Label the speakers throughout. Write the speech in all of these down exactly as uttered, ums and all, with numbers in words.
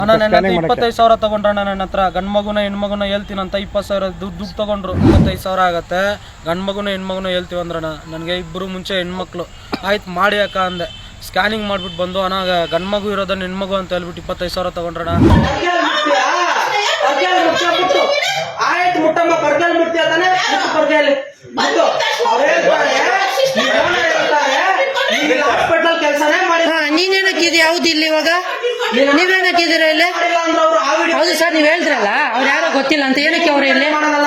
Speaker 1: ಅಣ್ಣ ನನ್ನ ಹತ್ರ ಇಪ್ಪತ್ತೈದು ಸಾವಿರ ತಗೊಂಡ್ರಣ್ಣ. ನನ್ನ ಹತ್ರ ಗಂಡು ಮಗುನ ಹೆಣ್ಮಗುನ ಹೇಳ್ತೀನಿ ಅಂತ ಇಪ್ಪತ್ತು ಸಾವಿರ ದುಡ್ಡು ದುಡ್ಡು ತಗೊಂಡ್ರು. ಇಪ್ಪತ್ತೈದು ಸಾವಿರ ಆಗತ್ತೆ. ಗಂಡು ಮಗುನ ಹೆಣ್ಮಗುನ ಹೇಳ್ತೀವಿ ಅಂದ್ರಣ್ಣ. ನನಗೆ ಇಬ್ಬರು ಮುಂಚೆ ಹೆಣ್ಮಕ್ಳು. ಆಯ್ತು ಮಾಡಿ ಅಕ್ಕ ಅಂದೆ. ಸ್ಕ್ಯಾನಿಂಗ್ ಮಾಡ್ಬಿಟ್ಟು ಬಂದು ಅಣ್ಣ ಗಂಡು ಮಗು ಇರೋದನ್ನ ಹೆಣ್ಮಗು ಅಂತ ಹೇಳ್ಬಿಟ್ಟು ಇಪ್ಪತ್ತೈದು ಸಾವಿರ ತಗೊಂಡ್ರಣ್ಣ.
Speaker 2: ನೀನೇನಕ್ಕಿದೆ ಯಾವ್ದು ಇಲ್ಲಿ ಇವಾಗ ನೀವೇನಕ್ಕಿದ್ದೀರ ಇಲ್ಲಿ? ಹೌದು ಸರ್, ನೀವ್ ಹೇಳ್ತಿರಲ್ಲ ಅವ್ರು ಯಾರೋ ಗೊತ್ತಿಲ್ಲ ಅಂತ. ಏನಕ್ಕೆ ಅವ್ರು ಇಲ್ಲಿ?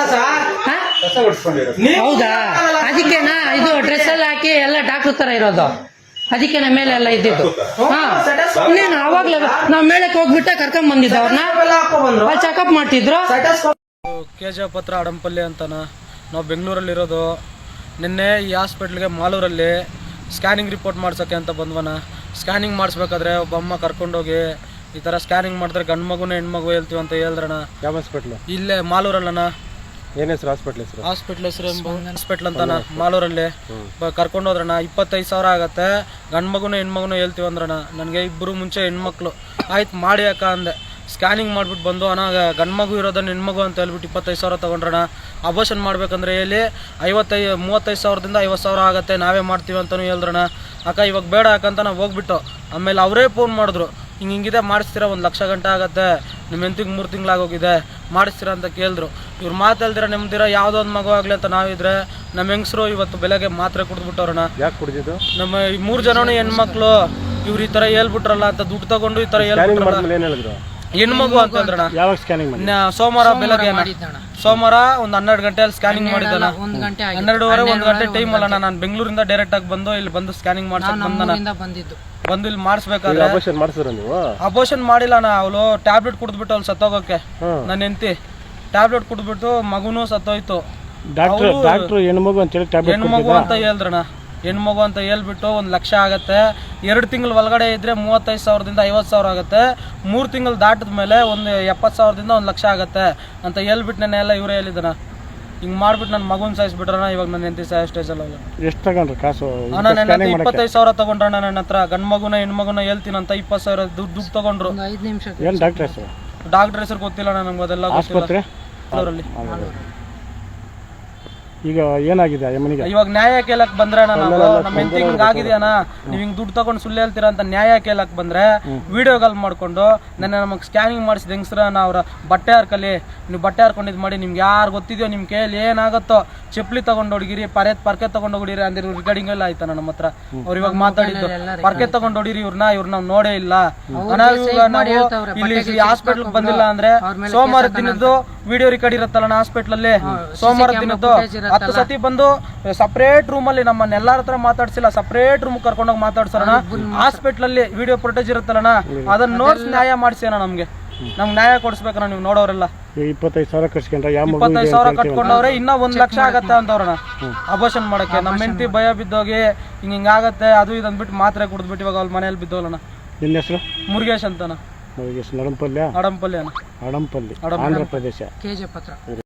Speaker 2: ಹೌದಾ, ಅದಕ್ಕೆನಾ ಇದು ಡ್ರೆಸ್ ಎಲ್ಲ ಹಾಕಿ ಎಲ್ಲ ಡಾಕ್ಟರ್ ತರ ಇರೋದು? ಅದಕ್ಕೆ ನಮ್ಮ ಮೇಲೆ ಎಲ್ಲ ಇದ್ದಿದ್ದು. ಹಾ, ಇನ್ನೇನು ಅವಾಗ್ಲೇ ನಾವ್ ಮೇಳಕ್ಕೆ ಹೋಗ್ಬಿಟ್ಟ ಕರ್ಕೊಂಡ್ ಬಂದಿದ್ದ ಅವ್ರನ್ನ ಅಲ್ಲಿ ಚೆಕಪ್ ಮಾಡ್ತಿದ್ರು.
Speaker 1: ಕೆ ಜಿ ಎಫ್ ಹತ್ರ ಅಡಂಪಲ್ಲಿ ಅಂತನ ನಾವು ಬೆಂಗಳೂರಲ್ಲಿರೋದು. ನಿನ್ನೆ ಈ ಹಾಸ್ಪಿಟ್ಲ್ಗೆ ಮಾಲೂರಲ್ಲಿ ಸ್ಕ್ಯಾನಿಂಗ್ ರಿಪೋರ್ಟ್ ಮಾಡ್ಸೋಕ್ಕೆ ಅಂತ ಬಂದ್ವನ. ಸ್ಕ್ಯಾನಿಂಗ್ ಮಾಡಿಸ್ಬೇಕಾದ್ರೆ ಒಬ್ಬ ಅಮ್ಮ ಕರ್ಕೊಂಡೋಗಿ ಈ ಥರ ಸ್ಕ್ಯಾನಿಂಗ್ ಮಾಡಿದ್ರೆ ಗಂಡು ಮಗುನ ಹೆಣ್ಮಗು ಹೇಳ್ತೀವಿ ಅಂತ ಹೇಳಿದ್ರಣ.
Speaker 3: ಯಾವ ಹಾಸ್ಪಿಟ್ಲು?
Speaker 1: ಇಲ್ಲೇ ಮಾಲೂರಲ್ಲಣ್ಣ.
Speaker 3: ಏನ್ ಹೆಸರು ಹಾಸ್ಪಿಟ್ಲ್ ಹೆಸರು?
Speaker 1: ಹಾಸ್ಪಿಟ್ಲ್ ಹೆಸರು ಹಾಸ್ಪಿಟ್ಲ್ ಅಂತಾನ ಮಾಲೂರಲ್ಲಿ. ಕರ್ಕೊಂಡೋದ್ರಣ. ಇಪ್ಪತ್ತೈದು ಸಾವಿರ ಆಗತ್ತೆ. ಗಂಡು ಮಗುನ ಹೆಣ್ಮಗುನ ಹೇಳ್ತೀವಿ ಅಂದ್ರಣ. ನನಗೆ ಇಬ್ಬರು ಮುಂಚೆ ಹೆಣ್ಮಕ್ಳು. ಆಯ್ತು ಮಾಡಿ ಅಕ್ಕ ಅಂದೆ. ಸ್ಕ್ಯಾನಿಂಗ್ ಮಾಡ್ಬಿಟ್ಟು ಬಂದು ಅಣ್ಣ ಗಂಡು ಮಗು ಇರೋದನ್ನ ಹೆಣ್ಮಗು ಅಂತ ಹೇಳ್ಬಿಟ್ಟು ಇಪ್ಪತ್ತೈದು ಸಾವಿರ ತೊಗೊಂಡ್ರಣ. ಅಬೋಷನ್ ಮಾಡ್ಬೇಕಂದ್ರೆ ಹೇಳಿ ಐವತ್ತೈದು ಮೂವತ್ತೈದು ಸಾವಿರದಿಂದ ಐವತ್ತು ಸಾವಿರ ಆಗುತ್ತೆ, ನಾವೇ ಮಾಡ್ತೀವಿ ಅಂತಲೂ ಹೇಳಿದ್ರಣ. ಅಕ್ಕ ಇವಾಗ ಬೇಡ ಅಕ್ಕಂತ ನಾವು ಹೋಗ್ಬಿಟ್ಟು ಆಮೇಲೆ ಅವರೇ ಫೋನ್ ಮಾಡಿದ್ರು, ಹಿಂಗೆ ಹಿಂಗಿದೆ ಮಾಡಿಸ್ತೀರಾ, ಒಂದು ಲಕ್ಷ ಗಂಟೆ ಆಗುತ್ತೆ, ನಿಮ್ಮ ಹೆಂತಿಗೆ ಮೂರು ತಿಂಗಳಾಗೋಗಿದೆ, ಮಾಡಿಸ್ತೀರಾ ಅಂತ ಕೇಳಿದ್ರು. ಇವ್ರು ಮಾತಾಲ್ದಿರ ನೆಮ್ಮದಿರ ಯಾವುದೋ ಒಂದು ಮಗು ಆಗಲಿ ಅಂತ ನಾವಿದ್ರೆ ನಮ್ಮ ಹೆಂಗಸರು ಇವತ್ತು ಬೆಳಗ್ಗೆ ಮಾತ್ರೆ ಕುಡಿದ್ಬಿಟ್ಟವ್ರಣ.
Speaker 3: ಯಾಕೆ ಕುಡಿದಿದ್ದು?
Speaker 1: ನಮ್ಮ ಈ ಮೂರು ಜನನೂ ಹೆಣ್ಮಕ್ಳು ಇವ್ರು ಈ ಥರ ಹೇಳ್ಬಿಟ್ರಲ್ಲ ಅಂತ ದುಡ್ಡು ತಗೊಂಡು ಈ ಥರ ಹೇಳ್ಬಿಟ್ರಲ್ಲ.
Speaker 3: ಏನ್ ಹೇಳಿದ್ರು?
Speaker 1: ಹೆಣ್ಮಗು ಅಂತಂದ್ರಣ.
Speaker 3: ಯಾವಾಗ ಸ್ಕ್ಯಾನಿಂಗ್ ಮಾಡಿ?
Speaker 1: ಸೋಮವಾರ ಬೆಳಗ್ಗೆ ಸೋಮವಾರ ಒಂದು ಹನ್ನೆರಡು ಗಂಟೆಯಲ್ಲಿ ಸ್ಕ್ಯಾನಿಂಗ್ ಮಾಡಿದ್ದಾನ. ಹನ್ನೆರಡುವರೆ ಒಂದು ಗಂಟೆ ಟೈಮ್ ಅಲ್ಲ. ನಾನು ಬೆಂಗಳೂರಿಂದ ಡೈರೆಕ್ಟ್ ಆಗಿ ಬಂದು ಇಲ್ಲಿ ಬಂದು ಸ್ಕ್ಯಾನಿಂಗ್ ಮಾಡ್ಸಕ್ ಬಂದನ. ಬಂದು ಇಲ್ಲಿ ಮಾಡಿಸ್ಬೇಕಾದ್ರೆ
Speaker 3: ಅಬೋಷನ್ ಮಾಡಿಸಿದ್ರು ನೀವು?
Speaker 1: ಅಬೋಷನ್ ಮಾಡಿಲ್ಲ ನಾ. ಅವಳು ಟ್ಯಾಬ್ಲೆಟ್ ಕುಡಿದ್ಬಿಟ್ಟು ಅವ್ಳು ಸತ್ತೋಗಕ್ಕೆ. ನನ್ನ ಹೆಂಡತಿ ಟ್ಯಾಬ್ಲೆಟ್ ಕುಡಿದ್ಬಿಟ್ಟು ಮಗುನು ಸತ್ತೋಯ್ತು.
Speaker 3: ಹೆಣ್ಮಗು ಅಂತ ಹೇಳಿ
Speaker 1: ಹೆಣ್ಮಗು ಅಂತ ಹೇಳಿದ್ರಣ. ಹೆಣ್ಮಗು ಅಂತ ಹೇಳ್ಬಿಟ್ಟು ಒಂದು ಲಕ್ಷ ಆಗತ್ತೆ. ಎರಡು ತಿಂಗಳು ಒಳಗಡೆ ಇದ್ರೆ ಮೂವತ್ತೈದು ಸಾವಿರದಿಂದ ಐವತ್ತು ಸಾವಿರ ಆಗುತ್ತೆ. ಮೂರು ತಿಂಗಳು ದಾಟಿದ ಮೇಲೆ ಒಂದು ಎಪ್ಪತ್ತು ಸಾವಿರದಿಂದ ಒಂದು ಲಕ್ಷ ಆಗತ್ತೆ ಅಂತ ಹೇಳ್ಬಿಟ್ಟು ನೆನ್ನೆ ಎಲ್ಲ ಇವರೇ ಹೇಳಿದನ. ಹಿಂಗೆ ಮಾಡ್ಬಿಟ್ಟು ನನ್ನ ಮಗುನ ಸಾಯಿಸ್ಬಿಟ್ರಣ. ಇವಾಗ ನನ್ನ ಹೆಂಡತಿ ಸಾಯೋ ಸ್ಟೇಜಲ್ಲಿ.
Speaker 3: ಎಷ್ಟು ತಗೊಂಡ್ರು ಕಾಸು?
Speaker 1: ಅಣ್ಣ ನನ್ನ ಹತ್ರ ಇಪ್ಪತ್ತೈದು ಸಾವಿರ ತಗೊಂಡ್ರಣ್ಣ. ನನ್ನ ಹತ್ರ ಗಂಡು ಮಗುನ ಹೆಣ್ಮಗುನ ಹೇಳ್ತೀನಿ ಅಂತ ಇಪ್ಪತ್ತು ಸಾವಿರ ದುಡ್ಡು ದುಡ್ಡು ತಗೊಂಡ್ರು.
Speaker 3: ಏನು ಡಾಕ್ಟರ್ ಹೆಸರು?
Speaker 1: ಡಾಕ್ಟರ್ ಹೆಸರು ಗೊತ್ತಿಲ್ಲ ನಮ್ಗೆ, ಅದೆಲ್ಲ
Speaker 3: ಆಸ್ಪತ್ರೆ
Speaker 1: ಅವರಲ್ಲಿ.
Speaker 3: ಈಗ ಏನಾಗಿದೆ ಯಮನಿಗೆ?
Speaker 1: ಇವಾಗ ನ್ಯಾಯ ಕೇಳಕ್ ಬಂದ್ರೆ ನಾವು ನಮ್ಮ ಹೆಂಡತಿ ಹಿಂಗ್ ಆಗಿದೆಯಣ್ಣ, ನೀವ್ ಹಿಂಗ್ ದುಡ್ಡು ತಗೊಂಡು ಸುಳ್ಳು ಹೇಳ್ತೀರಾ ಅಂತ ನ್ಯಾಯ ಕೇಳಕ್ ಬಂದ್ರೆ ವಿಡಿಯೋ ಕಾಲ್ ಮಾಡ್ಕೊಂಡು ನನ್ನ ನಮಗೆ ಸ್ಕ್ಯಾನಿಂಗ್ ಮಾಡಿಸಿದ ಹೆಂಗಸ್ರನ್ನ ಅವ್ರ ಬಟ್ಟೆ ಹಾರ್ಕಲಿ, ನೀವು ಬಟ್ಟೆ ಹಾರ್ಕೊಂಡಿದ್ ಮಾಡಿ, ನಿಮ್ಗೆ ಯಾರು ಗೊತ್ತಿದೆಯೋ ನಿಮ್ ಕೈಯಲ್ಲಿ ಏನಾಗುತ್ತೋ ಚಪ್ಪಲಿ ತಗೊಂಡು ಹೊಡಿಗಿರಿ, ಪರೆ ಪರ್ಕೆ ತಗೊಂಡು ಹೊಡಿರಿ ಅಂದಿರೋ ರಿಗಾರ್ಡಿಂಗ್ ಎಲ್ಲ ಆಯ್ತಾನ ನಮ್ಮ ಹತ್ರ. ಅವ್ರು ಇವಾಗ ಮಾತಾಡಿದ್ದು ಪರ್ಕೆ ತಗೊಂಡು ಹೊಡಿರಿ ಇವ್ರನ್ನ, ಇವ್ರ ನಾವ್ ನೋಡೇ ಇಲ್ಲ. ನಾವು ಇಲ್ಲಿ ಹಾಸ್ಪಿಟ್ಲ್ ಬಂದಿಲ್ಲ ಅಂದ್ರೆ ಸೋಮವಾರ ದಿನದ್ದು ವಿಡಿಯೋ ರೆಕಾರ್ಡ್ ಇರುತ್ತಲ್ಲ ಹಾಸ್ಪಿಟ್ಲ್ ಅಲ್ಲಿ, ಸೋಮವಾರ ದಿನದ್ದು ಹತ್ತು ಸತಿ ಬಂದು ಸಪರೇಟ್ ರೂಮ್ ಅಲ್ಲಿ ನಮ್ಮನ್ನ ಎಲ್ಲಾರ ಹತ್ರ ಮಾತಾಡ್ಸಿಲ್ಲ, ಸಪರೇಟ್ ರೂಮ್ ಕರ್ಕೊಂಡೋಗಿ ಮಾತಾಡ್ಸೋಣ. ಹಾಸ್ಪಿಟ್ಲ್ ಅಲ್ಲಿ ವಿಡಿಯೋ ಫುಟೇಜ್ ಇರುತ್ತಲ್ಲಣ್ಣ, ಅದನ್ನ ನೋಡ್ಸಿ ನ್ಯಾಯ ಮಾಡಿಸೋಣ. ನಮ್ಗೆ ನಮ್ಗೆ ನ್ಯಾಯ ಕೊಡಿಸ್ಬೇಕಣ್ಣ ನೀವು ನೋಡೋರೆಲ್ಲ.
Speaker 3: ಇಪ್ಪತ್ತೈದು ಸಾವಿರ ಕಟ್ಕೊಂಡ್ರೆ
Speaker 1: ಇಪ್ಪತ್ತೈದು ಸಾವಿರ ಕಟ್ಕೊಂಡವ್ರೆ, ಇನ್ನ ಒಂದ್ ಲಕ್ಷ ಆಗತ್ತೆ ಅಂತವ್ರಣ ಅಬೋಷನ್ ಮಾಡಕ್ಕೆ. ನಮ್ಮ ಹೆಂಡತಿ ಭಯ ಬಿದ್ದೋಗಿ ಹಿಂಗ ಹಿಂಗಾಗತ್ತೆ ಅದು ಇದು ಅಂದ್ಬಿಟ್ಟು ಮಾತ್ರೆ ಕುಡಿದ್ಬಿಟ್ಟು ಇವಾಗ ಅವ್ರ ಮನೇಲಿ ಬಿದ್ದೋಲಣ್ಣ.
Speaker 3: ನಿನ್ನ ಹೆಸರು?
Speaker 1: ಮುರುಗೇಶ್ ಅಂತನ.
Speaker 3: ಮುರುಗೇಶ್. ನಡಂಪಲ್ಯ?
Speaker 1: ಅಡಂಪಲ್ಲಿ ಅಣ್ಣ.
Speaker 3: ಅಡಂಪಲ್ಲಿ, ಆಂಧ್ರ ಪ್ರದೇಶ.
Speaker 2: ಕೆ ಜಿ ಎಫ್ ಹತ್ರ.